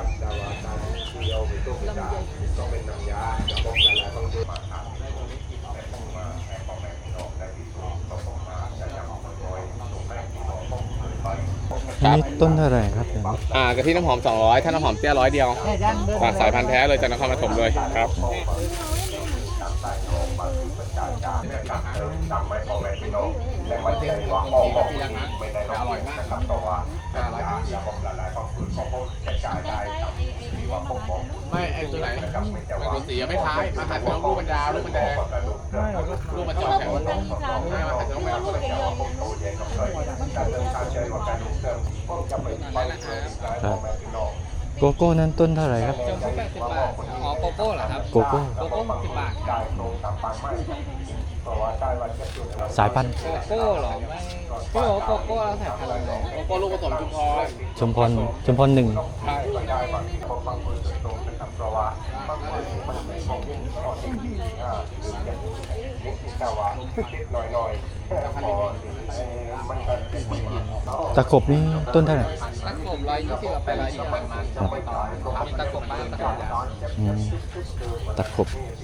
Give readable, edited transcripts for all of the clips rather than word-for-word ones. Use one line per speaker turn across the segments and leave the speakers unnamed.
อันนี้ต้นเท่าไหร่ครับเนี่ย
กะทิน้ำหอม200ถ้าน้ำหอมเตี้ย100เดียวสายพันธุ์แท้เลยจากนครปฐมเลยครับอร่อยมากไม่ไอ้ตัวไหนไม่ตัวสีไม่คล้ายมาถ่ายเป็นลูกบรรดาลูกบรรดาลูกบรรจอกแถวไม่มาถ่ายเป็นลูกบรรดา
โกโก้นั้นต้นเท่าไหร่ครับ
จมที่80 บาทอ๋อโกโก้เหรอครับ
โกโก้
60 บาท
สายพันธุ์
โกโก้เหรอไม่พี่บอกว่าโกโก้แล้วสายพันธุ์อะไร
โกโก้ลูกผสม
ชุมพร1ตะขบนี่ต้นเท่าไหร่
ตะขบ120กับ820มันมีตะขบบ้างตะขบยาว
ตะขบ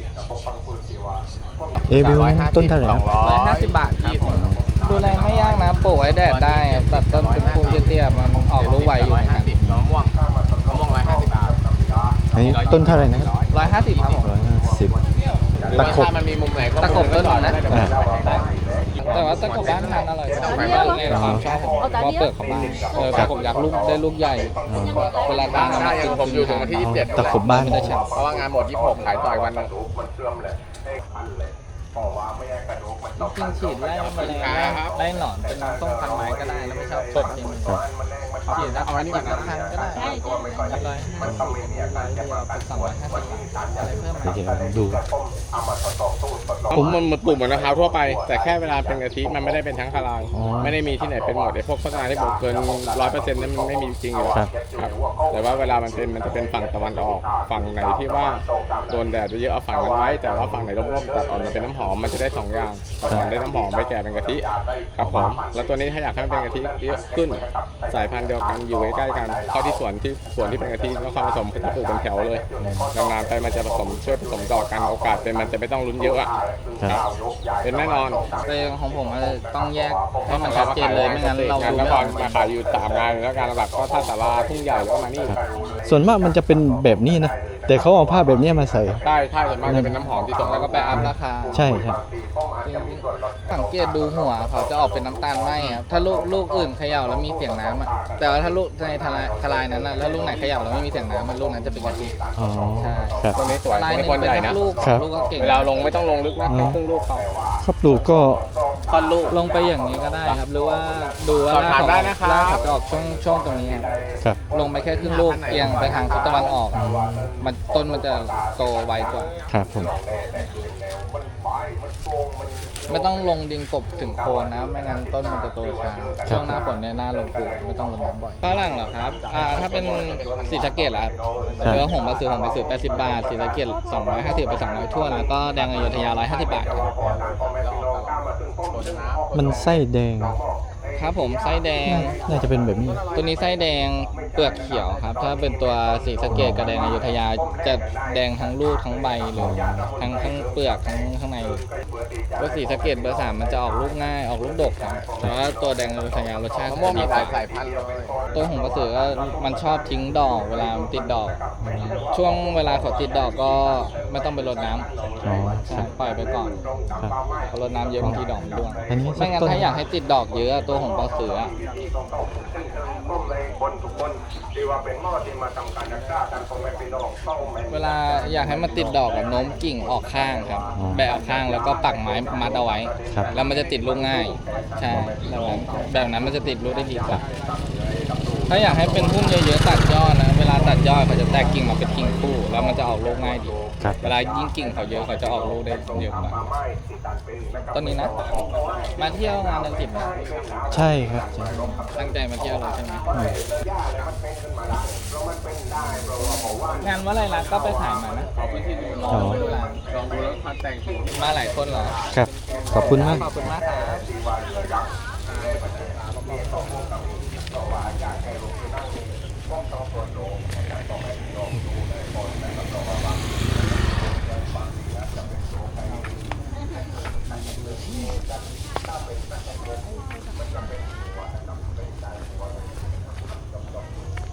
เอวิลต้นเท่าไหร่
150 บาทครับดูแลไม่ยากนะปลูกไว้แดดได้ตัดต้นเป็นภูเตี้ยๆมันออกลูกไวอยู่เหมือนกัน
มะม่วง150 บาท
อันนี้ต้นเท่าไหร่นะครับ
150ครับผม
150ตะขบ
มันมีมุมไหน
ตะขบต้นหนึ่งนะแต่ว่าตะขบบ้านทานอร่อยในความชอบผมว่าเปลือกของบ้านตะขบยักษ์ลูกได้ลูกใหญ่เวลาบ้าน
ได้อย่างผมอยู่ถึงวันที่27
ตะขบบ้าน
เพราะว่างานหมด26ขายต่อยวันนึง
จริงฉีดไล่แมลงไล่หนอนเป็นต้มพันไม้ก็ได้แล้วไม่ชอบสดจริงฉีดแล้วเอาอันนี้ก่อนนะพันก็ได้เลยเป็น250 บาทอะไรเพิ่มมา
เดี๋ยวดู
มันปลูกเหมือนมะพร้าวทั่วไปแต่แค่เวลาเป็นกะทิมันไม่ได้เป็นทั้งคารายไม่ได้มีที่ไหนเป็นหมดไอ้พวกโฆษณาที่บอกเกิน100%นั้นมันไม่มีจริงอยู่ครับแต่ว่าเวลามันจะเป็นฝั่งตะวันออกฝั่งไหนที่ว่าโดนแดดเยอะเอาฝั่งนั้นไว้แต่ว่าฝั่งไหนร่มๆตัดออกมาเป็นน้ำหอมมันจะได้2อย่างมันได้น้ำหอมไปแก่เป็นกะทิครับผมแล้วตัวนี้ถ้าอยากให้มันเป็นกะทิเยอะขึ้นสายพันธุ์เดียวกันอยู่ใกล้ๆกันเข้าที่สวนที่เป็นกะทิแล้วความผสมก็จะปลูกเป็นแถวเลยนานๆไปมันจะผสมช่วยผสมต่อกันโอกาสเป็นมันจะไม่ต้องลุ้นเยอะเป็นแน่นอน
แต่ของผมต้องแยกให้มันชัดเจนเลยไม่งั้นเราดู
แล้วก่อนมาขายอยู่3 งานแล้วการหลักก็ท่าสาราทุ่งใหญ่แล้วก็มานี่
ส่วนมากมันจะเป็นแบบนี้นะแต่เขาเอาผ้าแบบนี้มาใส่
ใช่ส่วนมากจะเป็นน้ำหอมที่ส่ง
แล้วก็ไปอัพราคา
ใช่
สังเกตดูหัวเขาจะออกเป็นน้ำตาลไหมครับถ้าลูกอื่นเขย่าแล้วมีเสียงน้ำแต่ว่าถ้าลูกในทลายนั้นนะแล้วลูกไหนเขย่าแล้วไม่มีเสียงน้ำมันลูกนั้นจะเป็นกะทิ
ใช่
ตัวนี้สวยตัวนี้คนใหญ่นะ
ลูกก็เก่ง
เวลาลงไม่ต้องลงลึกนะครึ่งลูกเขา
ครับปลูกก็
ค่อนลูกลงไปอย่างนี้ก็ได้ครับหรือว่าดูว่ารากเขาจะออกช่วงตรงนี้
ครับ
ลงไปแค่ครึ่งลูกเอียงไปทางทิศตะวันออกมันต้นมันจะโตไวกว่า
ครับผม
ไม่ต้องลงดินกบถึงโคนนะไม่งั้นต้นมันจะโตช้าช่วงหน้าฝนเนี่ยหน้าลงปลูกไม่ต้องลงน้ำบ่อยฝรั่งเหรอครับถ้าเป็นสีสะเกดล่ะครับเนื้อหงส์มาซื้อ80 บาทสีสะเกด250ไป200ทั่วแล้วก็แดงอยุธยา150 บาทครับ
มันไส้แดง
ครับผมไส้แดง
น่าจะเป็นแบบนี้
ตัวนี้ไส้แดงเปลือกเขียวครับถ้าเป็นตัวสีสะเกดกับแดงอยุธยาจะแดงทั้งลูกทั้งใบเลยทั้งเปลือกทั้งข้างในตัวสีสะเกดเบอร์ 3มันจะออกลูกง่ายออกลูกดกครับแต่ว่าตัวแดงอยุธยารสชาติ
มะม่วงมีหลายสายพันธุ์เลย
ตัวหงส์กระสือมันชอบทิ้งดอกเวลามันติดดอกช่วงเวลาเขาติดดอกก็ไม่ต้องไปรดน้ำปล่อยไปก่อนพอรดน้ำเยอะบางทีดอกมันร่วงไม่งั้นถ้าอยากให้ติดดอกเยอะตัวหงส์กระสือเวลาอยากให้มันติดดอกโน้มกิ่งออกข้างครับแบะออกข้างแล้วก็ปักไม้มัดเอาไว้แล้วมันจะติดลูกง่ายใช่แบบนั้นมันจะติดลูกได้ดีกว่าถ้าอยากให้เป็นพุ่มเยอะๆตัดยอดนะเวลาตัดยอดเขาจะแตกกิ่งมาเป็นกิ่งคู่แล้วมันจะออกลูกง่ายดีเวลายิ่งกิ่งเขาเยอะเขาจะออกลูกได้เยอะกว่าต้นนี้นะมาเที่ยวงานเดือน10นะ
ใช่ครับ
ตั้งใจมาเที่ยวเลยใช่ไหมงานว่าอะไรล่ะก็ไปถ่ายมานะลองดูแล้วมาหลายคนเหรอ
ครับขอบคุณมาก
ขอบคุณมากครับ